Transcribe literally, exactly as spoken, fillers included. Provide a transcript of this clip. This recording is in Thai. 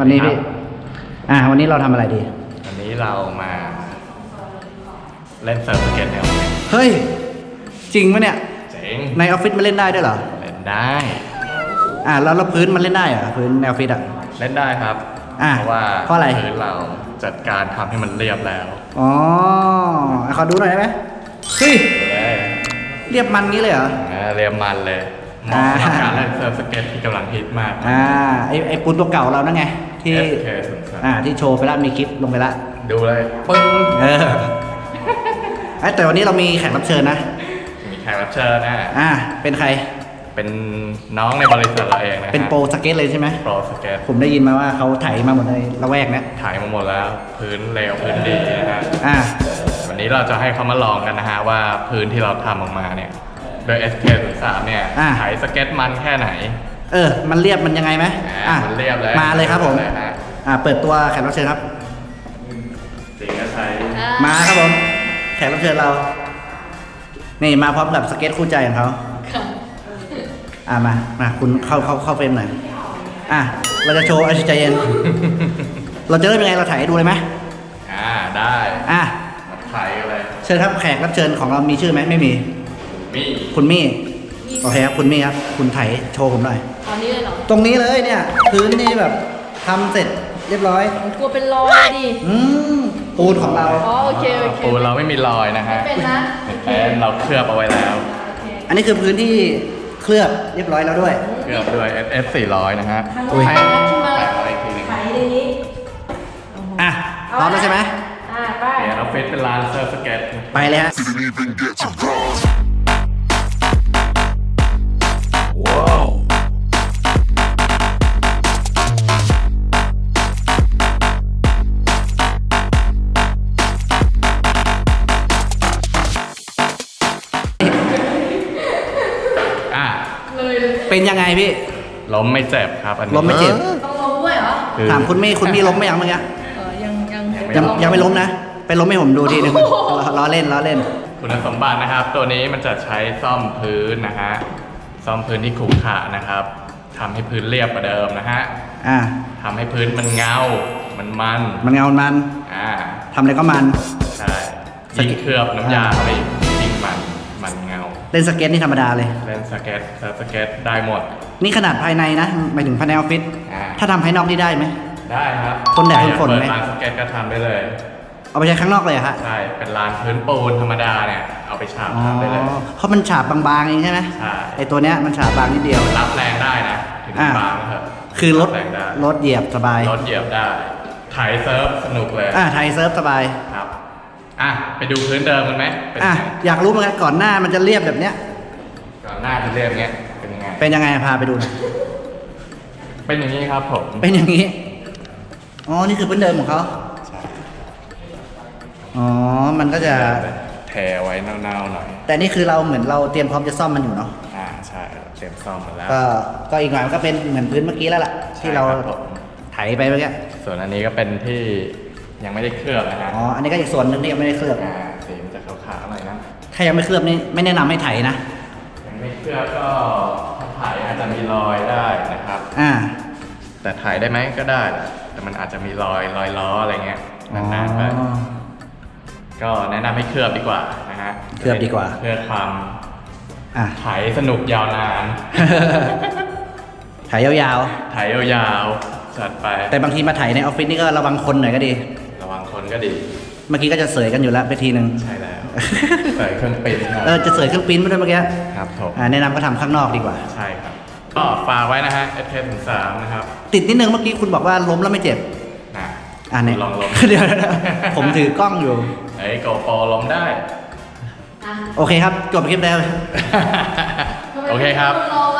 วันนี้พี่อ่าวันนี้เราทำอะไรดีวันนี้เรามาเล่นเซิร์ฟสเก็ตในออฟฟิศเฮ้ยจริงปะเนี่ยจริงในออฟฟิศมันเล่นได้ด้วยเหรอเล่นได้อ่าแล้วเราพื้นมันเล่นได้เหรอพื้นในออฟฟิศอ่ะเล่นได้ครับเพราะว่าเพราะอะไรพื้นเราจัดการทำให้มันเรียบแล้วอ๋อขอดูหน่อยได้ไหมเฮ้ยเรียบมันงี้เลยเหรอเรียบมันเลยเหมาะกับการเล่นเซิร์ฟสเก็ตที่กำลังฮิตมากอ่าไอไอปูนตัวเก่าเรานั่นไงที่อ่าที่โชว์ไปแล้วมีคลิปลงไปแล้วดูเลยปึ้งเออแต่วันนี้เรามีแขกรับเชิญนะมีแขกรับเชิญนะอ่าเป็นใครเป็นน้องในบริษัทเราเองนะเป็นโปรสเก็ตเลยใช่ไหมโปรสเก็ตผมได้ยินมาว่าเขาถ่ายมาหมดในละแวกนะถ่ายมาหมดแล้วพื้นเลวพื้นดีนะฮะอ่าวันนี้เราจะให้เขามาลองกันนะฮะว่าพื้นที่เราทำออกมาเนี่ยโดย เอส เค ศูนย์ สาม เนี่ยถ่ายสเก็ตมันแค่ไหนเออมันเรียบมันยังไงไหมอ่ามันเรียบเลยมาเลยครับผมอ่าเปิดตัวแขกรับเชิญครับสิงห์ชัยมาครับผมแขกรับเชิญเรานี่มาพร้อมกับสเก็ตคู่ใจของเขาอ่ามามาคุณเข้าเข้าเข้าเฟรมหน่อยอ่ะเราจะโชว์ไอ้ใจเย็นเราจะเริ่มยังไงเราถ่ายให้ดูเลยไหมอ่าได้อ่ะถ่ายกันเลยเชิญครับแขกรับเชิญของเรามีชื่อไหมไม่มีมีคุณมี่โอเคครับคุณมี่ครับคุณถ่ายโชว์ผมหน่อยตอนนี้เลยเหรอตรงนี้เลยเนี่ยพื้นนี่แบบทำเสร็จเรียบร้อยกลัวเป็นรอยดิอืมปูนของเราอ๋อโอเคโอเคปูนเราไม่มีรอยนะฮะเป็นนะเป็นเราเคลือบเอาไว้แล้วอันนี้คือพื้นที่เคลือบเรียบร้อยแล้วด้วยเคลือบด้วย เอส สี่ร้อย นะฮะอุ้ยแปะอะไรทีนึงไถในนี้อ่ะพร้อมแล้วใช่ไหมอ่ะไปเดี๋ยวเราเฟซเป็นร้านเซิร์ฟสเก็ตไปเลยฮะเป็นยังไงพี่ล้มไม่เจ็บครับอันนี้ล้มไม่เจ็บต้องล้มด้วยเหรอถามคุณมี่คุณมี่ล้มไหมยังเมื่อกี้เออยังยังยังยังไม่ล้มนะไปล้มให้ผมดูทีนึงล้อเล่นล้อเล่นคุณสมบัตินะครับตัวนี้มันจะใช้ซ่อมพื้นนะฮะซ่อมพื้นที่ขรุขระนะครับทำให้พื้นเรียบกว่าเดิมนะฮะอ่าทำให้พื้นมันเงามันมันมันเงามันอ่าทำอะไรก็มันใช่ยิ่งเคลือบน้ำยาไปยิ่งมันมันเงาเล่นสเก็ตนี่ธรรมดาเลยเล่นสเก็ตสเก็ตได้หมดนี่ขนาดภายในนะหมายถึงภายในออฟฟิศถ้าทำภายนอกนี่ได้ไหมได้ครับคนแดดคนฝนไหมร้านสเก็ตก็ทำได้เลยเอาไปใช้ข้างนอกเลยฮะใช่เป็นลานพื้นปูนธรรมดาเนี่ยเอาไปฉาบทำได้เลยเพราะมันฉาบบางๆเองใช่ไหมใช่ไอตัวเนี้ยมันฉาบบางนิดเดียวรับแรงได้นะถึงบางนะครับคือรถรถเหยียบสบายรถเหยียบได้ถ่ายเซิร์ฟสนุกเลยอ่าถ่ายเซิร์ฟสบายครับอ่ะไปดูพื้นเดิมกันไหมอ่ะอยากรู้เหมือนกันก่อนหน้ามันจะเรียบแบบเนี้ยก่อนหน้าจะเรียบเงี้ยเป็นยังไงเป็นยังไงพาไปดูหน่อยเป็นอย่างนี้ครับผมเป็นอย่างนี้อ๋อนี่คือพื้นเดิมของเขาใช่อ๋อมันก็จะแถไว้เน่าๆหน่อยแต่นี่คือเราเหมือนเราเตรียมพร้อมจะซ่อมมันอยู่เนาะอ่าใช่เตรียมซ่อมหมดแล้วก็ก็อีกหน่อยมันก็เป็นเหมือนพื้นเมื่อกี้แล้วล่ะที่เราไถไปเมื่อกี้ส่วนอันนี้ก็เป็นที่ยังไม่ได้เคลือบนะฮะอ๋ออันนี้ก็อีกส่วนหนึ่งที่ยังไม่ได้เคลือบอ่าสีมันจะขาวๆหน่อยนะถ้ายังไม่เคลือบนี่ไม่แนะนำให้ไถนะยังไม่เคลือบก็ถ้าถ่ายอาจจะมีรอยได้นะครับอ่าแต่ถ่ายได้ไหมก็ได้แต่มันอาจจะมีรอยรอยล้ออะไรเงี้ยนานๆไปก็แนะนำให้เคลือบดีกว่านะฮะเคลือบดีกว่าเพื่อความถ่ายสนุกยาวนานถ่ายยาวๆถ่ายยาวๆจัดไปแต่บางทีมาถ่ายในออฟฟิศนี่ก็ระวังคนหน่อยก็ดีระวังคนก็ดีเมื่อกี้ก็จะเสยกันอยู่แล้วไปทีนึงใช่แล้วเสยเครื่องปริ้นเออจะเสยเครื่องปริ้นมาด้วยเมื่อกี้ครับผมแนะนำก็ทำข้างนอกดีกว่าใช่ครับก็ฝากไว้นะฮะ เอส เค ศูนย์ สาม นะครับติดนิดนึงเมื่อกี้คุณบอกว่าล้มแล้วไม่เจ็บนะอ่าเนี่ยลองล้มเดี๋ยวผมถือกล้องอยู่ไอ้โกโปรล้มได้โอเคครับจบคลิปแล้วโอเคครับ